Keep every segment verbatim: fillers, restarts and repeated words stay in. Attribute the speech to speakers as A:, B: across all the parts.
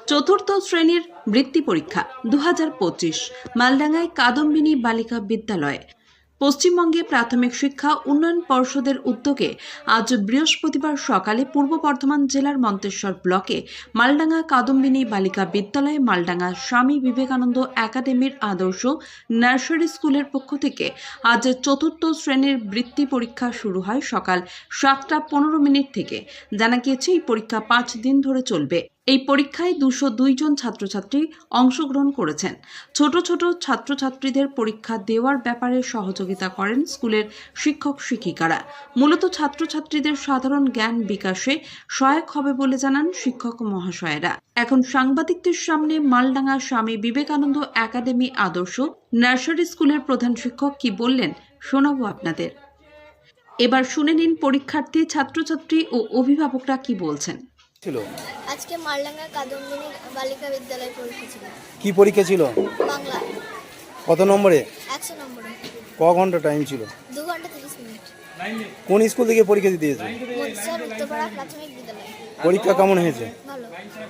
A: চতুর্থ শ্রেণীর বৃত্তি পরীক্ষা দু হাজার পঁচিশ মালডাঙ্গায় কাদম্বিনী বালিকা বিদ্যালয়ে। পশ্চিমবঙ্গে প্রাথমিক শিক্ষা উন্নয়ন পর্ষদের উদ্যোগে আজ বৃহস্পতিবার সকালে পূর্ব বর্ধমান জেলার মন্তেশ্বর ব্লকে মালডাঙ্গা কাদম্বিনী বালিকা বিদ্যালয়ে মালডাঙ্গা স্বামী বিবেকানন্দ একাডেমির আদর্শ নার্সারি স্কুলের পক্ষ থেকে আজ চতুর্থ শ্রেণীর বৃত্তি পরীক্ষা শুরু হয় সকাল সাতটা পনেরো মিনিট থেকে। জানা গিয়েছে এই পরীক্ষা পাঁচ দিন ধরে চলবে। এই পরীক্ষায় দুশো দুই জন ছাত্রছাত্রী অংশগ্রহণ করেছেন। ছোট ছোট ছাত্রছাত্রীদের পরীক্ষা দেওয়ার ব্যাপারে সহযোগিতা করেন স্কুলের শিক্ষক শিক্ষিকারা। মূলত ছাত্রছাত্রীদের সাধারণ জ্ঞান বিকাশে সহায়ক হবে বলে জানান শিক্ষক মহাশয়েরা। এখন সাংবাদিকদের সামনে মালডাঙ্গা স্বামী বিবেকানন্দ একাডেমি আদর্শ নার্সারি স্কুলের প্রধান শিক্ষক কি বললেন শোনাবো আপনাদের। এবার শুনে নিন পরীক্ষার্থী, ছাত্রছাত্রী ও অভিভাবকরা কি বলছেন।
B: আজকে মালডাঙ্গা কাদম্বিনী বালিকা বিদ্যালয়ে পরীক্ষা ছিল।
C: কি পরীক্ষা ছিল?
B: বাংলা।
C: কত নম্বরে?
B: একশো নম্বরে।
C: ক ঘন্টা টাইম ছিল?
B: দু ঘন্টা তিরিশ মিনিট।
C: কোন স্কুল থেকে পরীক্ষা দিতে এসেছো?
B: মন্তেশ্বর উত্তরপাড়া প্রাথমিক বিদ্যালয়।
C: পরীক্ষা কেমন হয়েছে?
B: ভালো।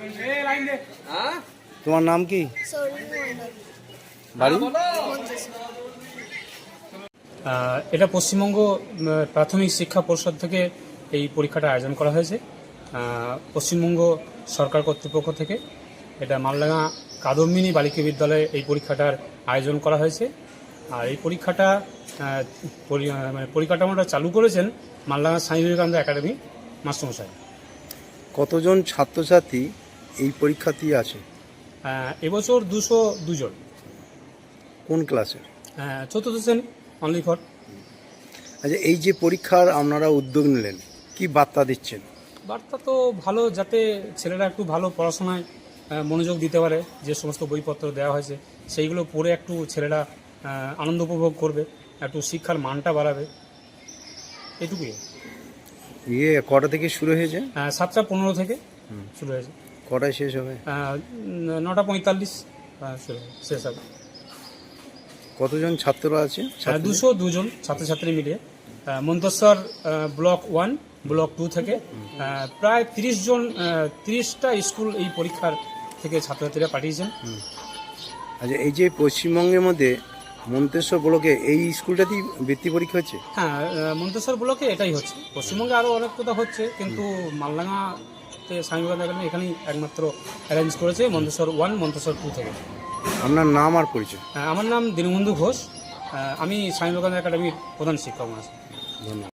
C: তোমার নাম কি?
B: সৌরিন মণ্ডল।
C: বাড়ি?
B: মন্তেশ্বর।
D: এটা পশ্চিমবঙ্গ প্রাথমিক শিক্ষা পর্ষদ থেকে এই পরীক্ষাটা আয়োজন করা হয়েছে। পশ্চিমবঙ্গ সরকার কর্তৃপক্ষ থেকে এটা মালডাঙ্গা কাদম্বিনী বালিকা বিদ্যালয়ে এই পরীক্ষাটার আয়োজন করা হয়েছে। আর এই পরীক্ষাটা মানে পরিকাঠামোটা চালু করেছেন মালডাঙ্গা স্বামী বিবেকানন্দ একাডেমি মাস্টারমশাই।
C: কতজন ছাত্রছাত্রী এই পরীক্ষার্থী আছে?
D: এবছর দুশো দুজন।
C: কোন ক্লাসের?
D: চতুর্থ শ্রেণী অনলি ফর।
C: আচ্ছা, এই যে পরীক্ষার আপনারা উদ্যোগ নিলেন, কি বার্তা দিচ্ছেন?
D: বার্তা তো ভালো, যাতে ছেলেরা একটু ভালো পড়াশোনায় মনোযোগ দিতে পারে। যে সমস্ত বইপত্র দেওয়া হয়েছে সেইগুলো পড়ে একটু ছেলেরা আনন্দ উপভোগ করবে, একটু শিক্ষার মানটা বাড়াবে, এটুকুই।
C: ইয়ে কটা থেকে শুরু হয়েছে?
D: সাতটা পনেরো থেকে শুরু হয়েছে।
C: কটায় শেষ হবে?
D: নটা পঁয়তাল্লিশ শুরু হবে, শেষ হবে।
C: কতজন ছাত্ররা আছে?
D: দুশো দুজন ছাত্রছাত্রী মিলিয়ে Manteswar block one block two থেকে প্রায় তিরিশ জন তিরিশটা স্কুল এই পরীক্ষার থেকে ছাত্রছাত্রীরা পাঠিয়েছেন।
C: আচ্ছা, এই যে পশ্চিমবঙ্গের মধ্যে মন্তেশ্বর ব্লকে এই স্কুলটাতেই বৃত্তি পরীক্ষা হচ্ছে?
D: হ্যাঁ, মন্তেশ্বর ব্লকে এটাই হচ্ছে। পশ্চিমবঙ্গে আরও অনেক কোথাও হচ্ছে, কিন্তু মালডাঙ্গাতে স্বামী বিবেকানন্দ একাডেমি এখানেই একমাত্র অ্যারেঞ্জ করেছে মন্তেশ্বর ওয়ান মন্তেশ্বর টু থেকে।
C: আপনার নাম আর পরিচয়?
D: আমার নাম দীনবন্ধু ঘোষ, আমি স্বামী বিবেকানন্দ একাডেমির প্রধান শিক্ষক আছি।
C: ধন্যবাদ।